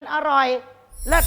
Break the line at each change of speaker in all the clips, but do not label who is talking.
อร่อยเลิศ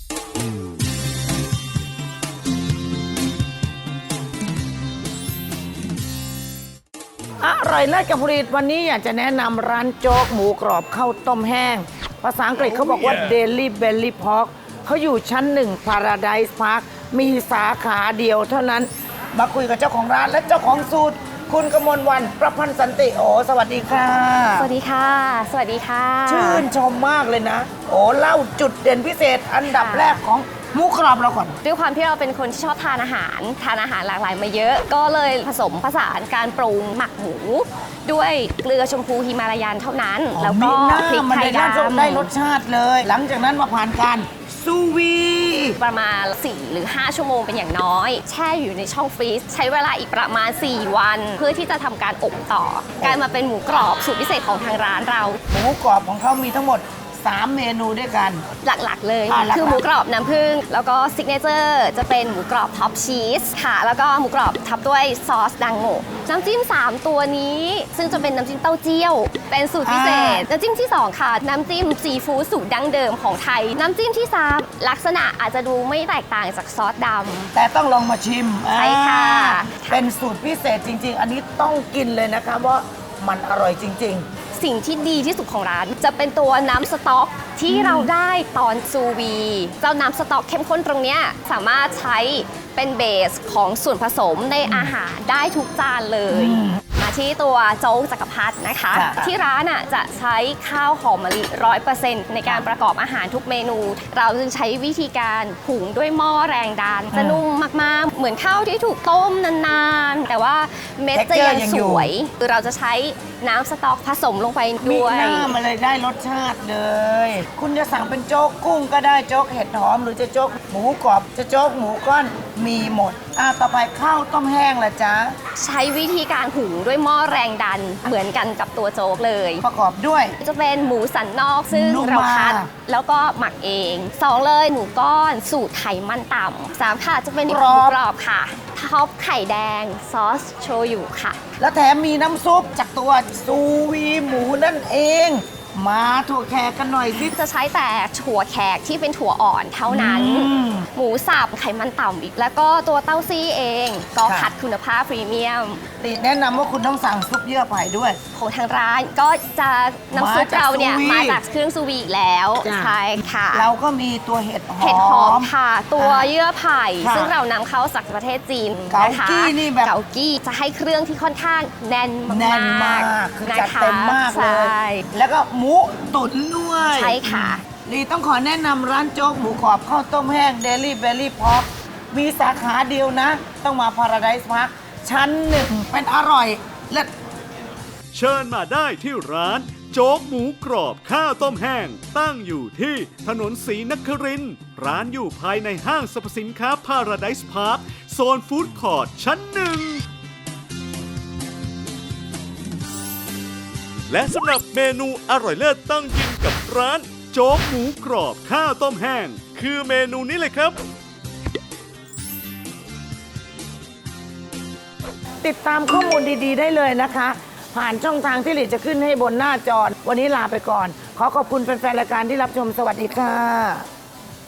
อร่อยเลิศกับผลิตวันนี้อยากจะแนะนำร้านโจ๊กหมูกรอบข้าวต้มแห้งภาษาอังกฤษเขาบอกว่า Daily Belly Pork เขาอยู่ชั้น1 Paradise Park มีสาขาเดียวเท่านั้นมาคุยกับเจ้าของร้านและเจ้าของสูตรคุณกมลวรรณประพันธ์สันติโอสวัสดีค่ะ
สวัสดีค่ะสวัสดีค่ะ
ชื่นชมมากเลยนะโอ้เล่าจุดเด่นพิเศษอันดับแรกของหมูกรอบเราก่อน
ด้วยความที่เราเป็นคนที่ชอบทานอาหารหลากหลายมาเยอะก็เลยผสมผสานการปรุงหมักหมูด้วยเกลือชมพูฮิมาลายันเท่านั้นแล้วก็พริกไทยดำ
ได้รสชาติเลยหลังจากนั้นมาผ่านการซูวี
ประมาณ4 หรือ 5 ชั่วโมงเป็นอย่างน้อยแช่อยู่ในช่องฟรีซใช้เวลาอีกประมาณ4 วันเพื่อที่จะทำการอบต่อกลายมาเป็นหมูกรอบสูตรพิเศษของทางร้านเรา
หมูกรอบของเขามีทั้งหมด3 เมนูด้วยกัน
หลักๆเลยคือหมูกรอบน้ำผึ้งแล้วก็ซิกเนเจอร์จะเป็นหมูกรอบท็อปชีสค่ะแล้วก็หมูกรอบทับด้วยซอสดังโง่น้ำจิ้ม3ตัวนี้ซึ่งจะเป็นน้ำจิ้มเต้าเจี้ยวเป็นสูตรพิเศษน้ำจิ้มที่2ค่ะน้ำจิ้มซีฟู้ดสูตรดั้งเดิมของไทยน้ำจิ้มที่3ลักษณะอาจจะดูไม่แตกต่างจากซอสดำ
แต่ต้องลองมาชิม
ใช่ค่ะ
เป็นสูตรพิเศษจริงๆอันนี้ต้องกินเลยนะคะว่ามันอร่อยจริงๆ
สิ่งที่ดีที่สุดของร้านจะเป็นตัวน้ำสต๊อกที่เราได้ตอนซูวีเจ้าน้ำสต๊อกเข้มข้นตรงนี้สามารถใช้เป็นเบสของส่วนผสมในอาหารได้ทุกจานเลยมาที่ตัวโจ๊กจักรพรรดินะคะที่ร้านจะใช้ข้าวหอมมะลิ 100% ในการประกอบอาหารทุกเมนู เราจึงใช้วิธีการหุงด้วยหม้อแรงดันจะนุ่มมากๆเหมือนข้าวที่ถูกต้มนานๆแต่ว่าเม็ดจะยังสวยคือเราจะใช้น้ำสต๊อกผสมลงไปด้วย
มีน้ำมาเลยได้รสชาติเลยคุณจะสั่งเป็นโจ๊กกุ้งก็ได้โจ๊กเห็ดหอมหรือจะโจ๊กหมูกรอบจะโจ๊กหมูก้อนมีหมดต่อไปข้าวต้มแห้งล่ะจ๊ะ
ใช้วิธีการหุงด้วยหม้อแรงดันเหมือนกันกับตัวโจ๊กเลย
ประกอบด้วย
จะเป็นหมูสันนอกซึ่งเราคัดแล้วก็หมักเอง2เลยหมูก้อนสูตรไขมันต่ำ3ค่ะจะเป็นหมูกรอบค่ะท็อปไข่แดงซอสโชยุค่ะ
แล้วแถมมีน้ำซุปจากตัวซูวีหมูนั่นเองมาถั่วแขกกันหน่อยสิ
จะใช้แต่ถั่วแขกที่เป็นถั่วอ่อนเท่านั้นหมูสับไขมันต่ำอีกแล้วก็ตัวเต้าซี่เองก็คัดคุณภาพพรีเมียม
ติแนะนำว่าคุณต้องสั่งซุปเยื่อไผ่ด้วย
ของทางร้านก็จะน้ำซุปเราเนี่ยมาจากเครื่องซูวีอีกแล้วใช่ค่ะ
เราก็มีตัวเห็ดห
อมค่ะตัวเยื่อไผ่ซึ่งเรานำเข้าจากประเทศจีนนะคะ
เกากี้นี่แบบ
เกากี้จะให้เครื่องที่ค่อนข้างแน่นมาก
คือจัดเต็มมากเลยแล้วก็หมูตุ๋นด้วย
ใช่ค่ะ
ลีต้องขอแนะนำร้านโจ๊กหมูกรอบข้าวต้มแห้ง Daily Belly Pork มีสาขาเดียวนะต้องมา Paradise Park ชั้น1เป็นอร่อยเลิศ
เชิญมาได้ที่ร้านโจ๊กหมูกรอบข้าวต้มแห้งตั้งอยู่ที่ถนนศรีนครินทร์ร้านอยู่ภายในห้างสรรพสินค้า Paradise Park โซนฟู้ดคอร์ทชั้น1และสำหรับเมนูอร่อยเลิศต้องกินกับร้านโจ๊กหมูกรอบข้าวต้มแห้งคือเมนูนี้เลยครับ
ติดตามข้อมูลดีๆได้เลยนะคะผ่านช่องทางที่หลีจะขึ้นให้บนหน้าจอวันนี้ลาไปก่อนขอขอบคุณแฟนๆรายการที่รับชมสวัสดีค่ะ